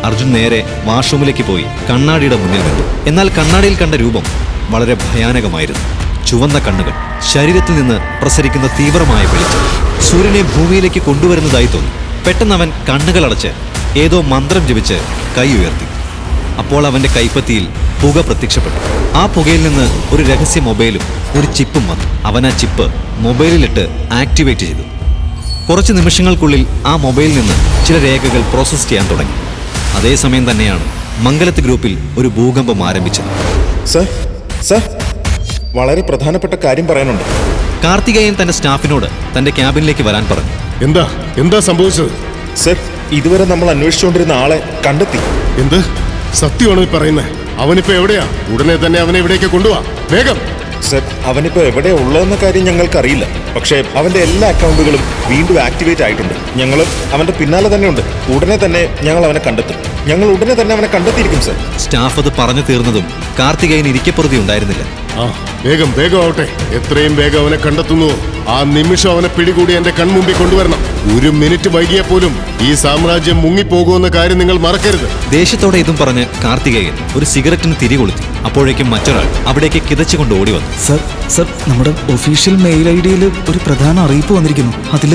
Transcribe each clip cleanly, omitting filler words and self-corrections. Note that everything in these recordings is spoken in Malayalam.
അർജുൻ നേരെ വാഷ്റൂമിലേക്ക് പോയി കണ്ണാടിയുടെ മുന്നിൽ നിന്നു. എന്നാൽ കണ്ണാടിയിൽ കണ്ട രൂപം വളരെ ഭയാനകമായിരുന്നു. ചുവന്ന കണ്ണുകൾ, ശരീരത്തിൽ നിന്ന് പ്രസരിക്കുന്ന തീവ്രമായ വെളിച്ചം സൂര്യനെ ഭൂമിയിലേക്ക് കൊണ്ടുവരുന്നതായി തോന്നി. പെട്ടെന്ന് അവൻ കണ്ണുകളടച്ച് ഏതോ മന്ത്രം ജപിച്ച് കൈ ഉയർത്തി. അപ്പോൾ അവന്റെ കൈപ്പത്തിയിൽ പുക പ്രത്യക്ഷപ്പെട്ടു. ആ പുകയിൽ നിന്ന് ഒരു രഹസ്യ മൊബൈലും ഒരു ചിപ്പും വന്നു. അവൻ ആ ചിപ്പ് മൊബൈലിലിട്ട് ആക്ടിവേറ്റ് ചെയ്തു. കുറച്ച് നിമിഷങ്ങൾക്കുള്ളിൽ ആ മൊബൈലിൽ നിന്ന് ചില രേഖകൾ പ്രോസസ്സ് ചെയ്യാൻ തുടങ്ങി. അതേസമയം തന്നെയാണ് മംഗലത്ത് ഗ്രൂപ്പിൽ ഒരു ഭൂകമ്പം ആരംഭിച്ചത്. സർ, വളരെ പ്രധാനപ്പെട്ട കാര്യം പറയാനുണ്ട്. കാർത്തികേയൻ തന്റെ സ്റ്റാഫിനോട് തന്റെ ക്യാബിനിലേക്ക് വരാൻ പറഞ്ഞു. എന്താ സംഭവിച്ചത്? സർ, ഇതുവരെ നമ്മൾ അന്വേഷിച്ചുകൊണ്ടിരുന്ന ആളെ കണ്ടെത്തി. എന്ത് സത്യമാണോ ഈ പറയുന്നത്? അവനിപ്പോ എവിടെയാ? ഉടനെ തന്നെ അവനെ ഇവിടേക്ക് കൊണ്ടുപോവാ, വേഗം. സർ, അവനിപ്പോ എവിടെയാ ഉള്ളതെന്ന കാര്യം ഞങ്ങൾക്കറിയില്ല. പക്ഷേ അവന്റെ എല്ലാ അക്കൗണ്ടുകളും വീണ്ടും ആക്ടിവേറ്റ് ആയിട്ടുണ്ട്. ഞങ്ങൾ അവന്റെ പിന്നാലെ തന്നെ ഉണ്ട്. ഉടനെ തന്നെ ഞങ്ങൾ അവനെ കണ്ടെത്തും. ഞങ്ങൾ ഉടനെ തന്നെ അവനെ കണ്ടെത്തിയിരിക്കും സർ. സ്റ്റാഫ് അത് പറഞ്ഞു തീർന്നതും കാർത്തികേയൻ ഇരിക്കപ്പുറതി ഉണ്ടായിരുന്നില്ല. വേഗം ആവട്ടെ. എത്രയും വേഗം അവനെ കണ്ടെത്തുന്നു ആ നിമിഷം അവനെ പിടികൂടി എന്റെ കൺമുമ്പിൽ കൊണ്ടുവരണം. ഒരു മിനിറ്റ് വൈകിയ പോലും ഈ സാമ്രാജ്യം മുങ്ങിപ്പോകുമെന്ന കാര്യം നിങ്ങൾ മറക്കരുത്. ദേഷ്യത്തോടെ ഇതും പറഞ്ഞ് കാർത്തികേയൻ ഒരു സിഗരറ്റിന് തിരി കൊളുത്തി. അപ്പോഴേക്കും മറ്റൊരാൾ അവിടേക്ക് കിതച്ചുകൊണ്ട് ഓടി വന്നു. സർ, നമ്മുടെ ഒഫീഷ്യൽ മെയിൽ ഐഡിയിൽ ഒരു പ്രധാന അറിയിപ്പ് വന്നിരിക്കുന്നു.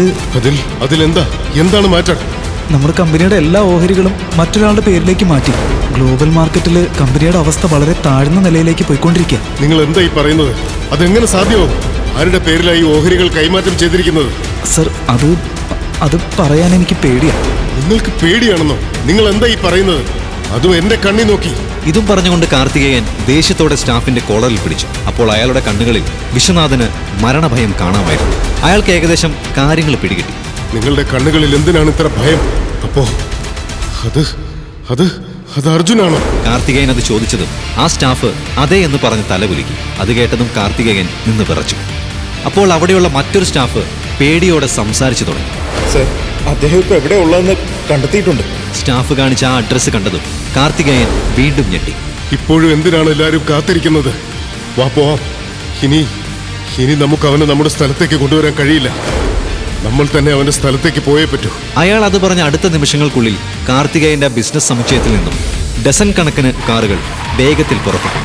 എന്താണ് മാറ്റം? നമ്മുടെ കമ്പനിയുടെ എല്ലാ ഓഹരികളും മറ്റൊരാളുടെ പേരിലേക്ക് മാറ്റി. ഗ്ലോബൽ മാർക്കറ്റിൽ കമ്പനിയുടെ അവസ്ഥ വളരെ താഴ്ന്ന നിലയിലേക്ക് പോയിക്കൊണ്ടിരിക്കുക. നിങ്ങൾ എന്താ ഈ പറയുന്നത്? അതെങ്ങനെ സാധ്യമാവും? ആരുടെ പേരിലായി ഓഹരികൾ കൈമാറ്റം ചെയ്തിരിക്കുന്നത്? സർ, അത് പറയാൻ എനിക്ക് പേടിയാണ്. നിങ്ങൾക്ക് പേടിയാണെന്നോ? നിങ്ങൾ എന്താ ഈ പറയുന്നത്? അതും എന്റെ കണ്ണി നോക്കി. ഇതും പറഞ്ഞുകൊണ്ട് കാർത്തികേയൻ ദേഷ്യത്തോടെ സ്റ്റാഫിന്റെ കോളറിൽ പിടിച്ചു. അപ്പോൾ അയാളുടെ കണ്ണുകളിൽ വിശ്വനാഥന് മരണഭയം കാണാമായിരുന്നു. അയാൾക്ക് ഏകദേശം കാര്യങ്ങൾ പിടികിട്ടി. നിങ്ങളുടെ കണ്ണുകളിൽ എന്തിനാണ് ഇത്ര ഭയം? അപ്പോ അത് അർജുനാണോ? കാർത്തികേയൻ അത് ചോദിച്ചതും ആ സ്റ്റാഫ് അതെ എന്ന് പറഞ്ഞ് തലകുലുക്കി. അത് കേട്ടതും കാർത്തികേയൻ നിന്ന് വിറച്ചു. അപ്പോൾ അവിടെയുള്ള മറ്റൊരു സ്റ്റാഫ് പേടിയോടെ സംസാരിച്ചു തുടങ്ങി. സർ, അദ്ദേഹം ഇപ്പൊ എവിടെ ഉള്ളതെന്ന് കണ്ടെത്തിയിട്ടുണ്ട്. സ്റ്റാഫ് കാണിച്ച ആ അഡ്രസ്സ് കണ്ടതും കാർത്തികേയൻ വീണ്ടും ഞെട്ടി. ഇപ്പോഴും എന്തിനാണ് എല്ലാവരും കാത്തിരിക്കുന്നത്? വാ പോവാം. ഇനി നമുക്ക് അവനെ നമ്മുടെ സ്ഥലത്തേക്ക് കൊണ്ടുവരാൻ കഴിയില്ല. നമ്മൾ തന്നെ അവന്റെ സ്ഥലത്തേക്ക് പോയേ പറ്റൂ. അയാൾ അത് പറഞ്ഞ അടുത്ത നിമിഷങ്ങൾക്കുള്ളിൽ കാർത്തികേയന്റെ ബിസിനസ് സമുച്ചയത്തിൽ നിന്നും ഡസൻ കണക്കിന് കാറുകൾ വേഗത്തിൽ പുറപ്പെട്ടു.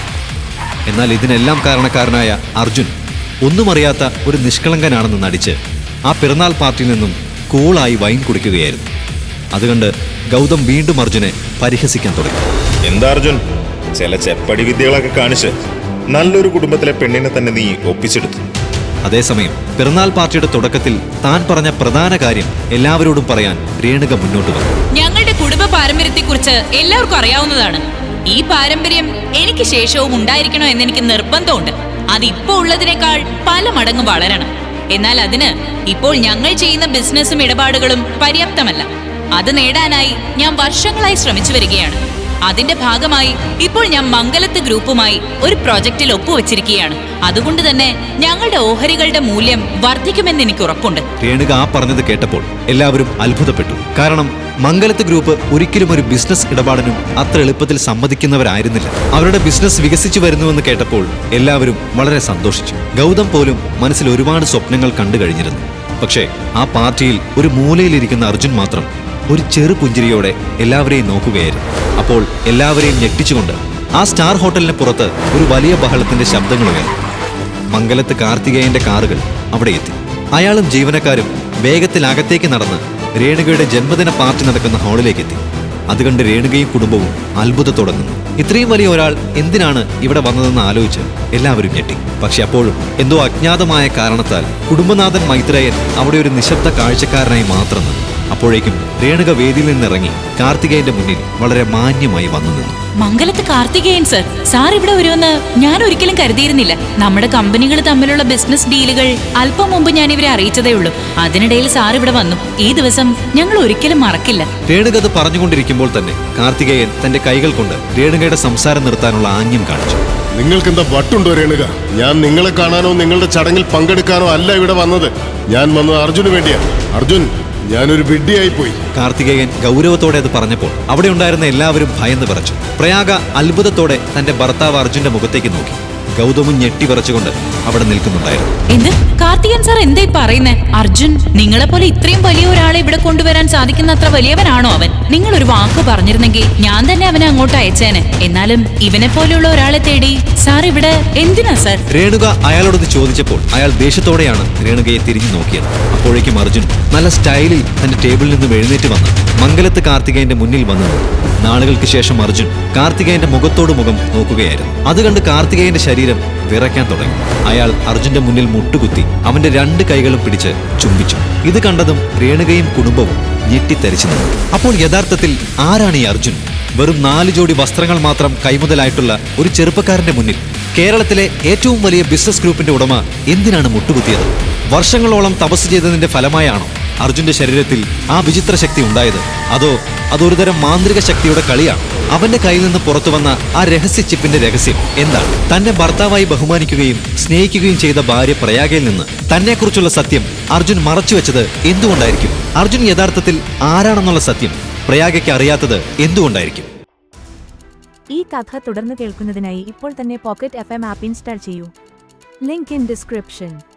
എന്നാൽ ഇതിനെല്ലാം കാരണക്കാരനായ അർജുൻ ഒന്നും അറിയാത്ത ഒരു നിഷ്കളങ്കനാണെന്ന് നടിച്ച് ആ പിറന്നാൾ പാർട്ടിയിൽ നിന്നും കൂളായി വൈൻ കുടിക്കുകയായിരുന്നു. അതുകൊണ്ട് ഗൗതം വീണ്ടും അർജുനെ പരിഹസിക്കാൻ തുടങ്ങി. എന്താ അർജുൻ, ചില ചെപ്പടി വിദ്യകളൊക്കെ കാണിച്ച് നല്ലൊരു കുടുംബത്തിലെ പെണ്ണിനെ തന്നെ നീ ഒപ്പിച്ചെടുത്തു. അതേസമയം പിറന്നാൾ പാർട്ടിയുടെ തുടക്കത്തിൽ താൻ പറഞ്ഞ പ്രധാന കാര്യം എല്ലാവരോടും പറയാൻ രേണുക മുന്നോട്ട് വന്നു. ഞങ്ങളുടെ കുടുംബ പാരമ്പര്യത്തെക്കുറിച്ച് എല്ലാവർക്കും അറിയാവുന്നതാണ്. ഈ പാരമ്പര്യം എനിക്ക് ശേഷവും ഉണ്ടായിരിക്കണോ എന്നെനിക്ക് നിർബന്ധമുണ്ട്. അത് ഇപ്പോൾ ഉള്ളതിനേക്കാൾ പല മടങ്ങ് വളരണം. എന്നാൽ അതിന് ഇപ്പോൾ ഞങ്ങൾ ചെയ്യുന്ന ബിസിനസ്സും ഇടപാടുകളും പര്യാപ്തമല്ല. അത് നേടാനായി ഞാൻ വർഷങ്ങളായി ശ്രമിച്ചു വരികയാണ്. അതിന്റെ ഭാഗമായി ഇപ്പോൾ ഞാൻ മംഗലത്ത് ഗ്രൂപ്പുമായി ഒരു പ്രോജക്റ്റിൽ ഒപ്പുവെച്ചിരിക്കുകയാണ്. അതുകൊണ്ട് തന്നെ ഞങ്ങളുടെ ഓഹരികളുടെ മൂല്യം വർദ്ധിക്കുമെന്ന് എനിക്ക് ഉറപ്പുണ്ട്. രേണുക ആ പറഞ്ഞത് കേട്ടപ്പോൾ എല്ലാവരും അത്ഭുതപ്പെട്ടു. കാരണം മംഗലത്ത് ഗ്രൂപ്പ് ഒരിക്കലും ഒരു ബിസിനസ് ഇടപാടിനും അത്ര എളുപ്പത്തിൽ സമ്മതിക്കുന്നവരായിരുന്നില്ല. അവരുടെ ബിസിനസ് വികസിച്ചു വരുന്നുവെന്ന് കേട്ടപ്പോൾ എല്ലാവരും വളരെ സന്തോഷിച്ചു. ഗൗതം പോലും മനസ്സിൽ ഒരുപാട് സ്വപ്നങ്ങൾ കണ്ടു കഴിഞ്ഞിരുന്നു. പക്ഷേ ആ പാർട്ടിയിൽ ഒരു മൂലയിലിരിക്കുന്ന അർജുൻ മാത്രം ഒരു ചെറു പുഞ്ചിരിയോടെ എല്ലാവരെയും നോക്കുകയായിരുന്നു. അപ്പോൾ എല്ലാവരെയും ഞെട്ടിച്ചുകൊണ്ട് ആ സ്റ്റാർ ഹോട്ടലിന് പുറത്ത് ഒരു വലിയ ബഹളത്തിന്റെ ശബ്ദങ്ങൾ ഉയർന്നു. മംഗലത്ത് കാർത്തികേയന്റെ കാറുകൾ അവിടെ എത്തി. അയാളും ജീവനക്കാരും വേഗത്തിൽ അകത്തേക്ക് നടന്ന് രേണുകയുടെ ജന്മദിന പാർട്ടി നടക്കുന്ന ഹാളിലേക്ക് എത്തി. അതുകണ്ട് രേണുകയും കുടുംബവും അത്ഭുതത്തോടെ നിന്നു. ഇത്രയും വലിയ ഒരാൾ എന്തിനാണ് ഇവിടെ വന്നതെന്ന് ആലോചിച്ച് എല്ലാവരും ഞെട്ടി. പക്ഷെ അപ്പോഴും എന്തോ അജ്ഞാതമായ കാരണത്താൽ കുടുംബനാഥൻ മൈത്രേയൻ അവിടെ ഒരു നിശബ്ദ കാഴ്ചക്കാരനായി മാത്രം നിന്നു. അപ്പോഴേക്കും രേണുക വേദിയിൽ നിന്നിറങ്ങി കാർത്തികേയന്റെ മുന്നിൽ വളരെ മാന്യമായി വന്നു നിന്നു. മംഗലത്ത് കാർത്തികേയൻ സർ, സാർ ഇവിടെ വരുമെന്ന് ഞാൻ ഒരിക്കലും കരുതിയിരുന്നില്ല. നമ്മുടെ കമ്പനികൾ തമ്മിലുള്ള ബിസിനസ് ഡീലുകൾ അല്പം മുമ്പ് ഞാൻ ഇവരെ അറിയിച്ചതേ ഉള്ളൂ. അതിനിടയിൽ സാർ ഇവിടെ വന്നു. ഈ ദിവസം ഞങ്ങൾ ഒരിക്കലും മറക്കില്ല. രേണുക അത് പറഞ്ഞുകൊണ്ടിരിക്കുമ്പോൾ തന്നെ കാർത്തികേയൻ തന്റെ കൈകൾ കൊണ്ട് രേണുകയുടെ സംസാരം നിർത്താനുള്ള ആംഗ്യം കാണിച്ചു. നിങ്ങൾക്കെന്താ വട്ടുണ്ടോ രേണുക? ഞാൻ നിങ്ങളെ കാണാനോ നിങ്ങളുടെ ചടങ്ങിൽ പങ്കെടുക്കാനോ അല്ല ഇവിടെ വന്നത്. ഞാൻ വന്നത് അർജുന് വേണ്ടിയാണ്. അർജുൻ, ഞാനൊരു വിഡ്ഢിയായി പോയി. കാർത്തികേയൻ ഗൗരവത്തോടെ അത് പറഞ്ഞപ്പോൾ അവിടെ ഉണ്ടായിരുന്ന എല്ലാവരും ഭയന്ന് വിറച്ചു. പ്രയാഗ അത്ഭുതത്തോടെ തന്റെ ഭർത്താവ് അർജുന്റെ മുഖത്തേക്ക് നോക്കി. ഗൗതമും ഞെട്ടിവിറച്ചുകൊണ്ട് അവിടെ നിൽക്കുന്നുണ്ടായിരുന്നു. എന്ത് കാർത്തികൻ സാർ എന്തായി പറയുന്നേ? അർജുൻ നിങ്ങളെ പോലെ ഇത്രയും വലിയ ഒരാളെ ഇവിടെ കൊണ്ടുവരാൻ സാധിക്കുന്ന അത്ര വലിയവനാണോ അവൻ? നിങ്ങൾ ഒരു വാക്ക് പറഞ്ഞിരുന്നെങ്കിൽ ഞാൻ തന്നെ അവനെ അങ്ങോട്ട് അയച്ചേനെ. എന്നാലും ഇവനെ പോലെയുള്ള ഒരാളെ തേടി സാർ ഇവിടെ എന്തിനാ സാർ? രേണുക അയാളോടത് ചോദിച്ചപ്പോൾ അയാൾ ദേഷ്യത്തോടെയാണ് രേണുകയെ തിരിഞ്ഞു നോക്കിയത്. അപ്പോഴേക്കും അർജുൻ നല്ല സ്റ്റൈലിൽ തന്റെ ടേബിളിൽ നിന്നും എഴുന്നേറ്റ് വന്ന് മംഗലത്ത് കാർത്തികേയന്റെ മുന്നിൽ വന്നു. നാളുകൾക്ക് ശേഷം അർജുൻ കാർത്തികേയന്റെ മുഖത്തോട് മുഖം നോക്കുകയായിരുന്നു. അത് കണ്ട് കാർത്തികേയന്റെ ശരീരം വിറയ്ക്കാൻ തുടങ്ങി. അയാൾ അർജുന്റെ മുന്നിൽ മുട്ടുകുത്തി അവന്റെ 2 കൈകളും പിടിച്ച് ചുംബിച്ചു. ഇത് കണ്ടതും രേണുകയും കുടുംബവും ഞെട്ടിത്തരിച്ചു നിന്നു. അപ്പോൾ യഥാർത്ഥത്തിൽ ആരാണ് ഈ അർജുൻ? വെറും 4 ജോഡി വസ്ത്രങ്ങൾ മാത്രം കൈമുതലായിട്ടുള്ള ഒരു ചെറുപ്പക്കാരന്റെ മുന്നിൽ കേരളത്തിലെ ഏറ്റവും വലിയ ബിസിനസ് ഗ്രൂപ്പിന്റെ ഉടമ എന്തിനാണ് മുട്ടുകുത്തിയത്? വർഷങ്ങളോളം തപസ് ചെയ്തതിന്റെ ഫലമായാണോ അർജുന്റെ ശരീരത്തിൽ ആ വിചിത്ര ശക്തി ഉണ്ടായത്? അതോ അതൊരുതരം മാന്ത്രിക ശക്തിയുടെ കളിയാണ്? അവന്റെ കയ്യിൽ നിന്ന് പുറത്തു വന്ന ആ രഹസ്യ ചിപ്പിന്റെ രഹസ്യം എന്താണ്? തന്നെ ഭർത്താവായി ബഹുമാനിക്കുകയും സ്നേഹിക്കുകയും ചെയ്ത ഭാര്യ പ്രയാഗയിൽ നിന്ന് തന്നെക്കുറിച്ചുള്ള സത്യം അർജുൻ മറച്ചുവെച്ചത് എന്തുകൊണ്ടായിരിക്കും? അർജുൻ യഥാർത്ഥത്തിൽ ആരാണെന്നുള്ള സത്യം പ്രയാഗയ്ക്ക് അറിയാത്തത് എന്തുകൊണ്ടായിരിക്കും? ഈ കഥ തുടർന്ന് കേൾക്കുന്നതിനായി ഇപ്പോൾ തന്നെ പോക്കറ്റ് FM ആപ്പ് ഇൻസ്റ്റാൾ ചെയ്യൂ. Link in description.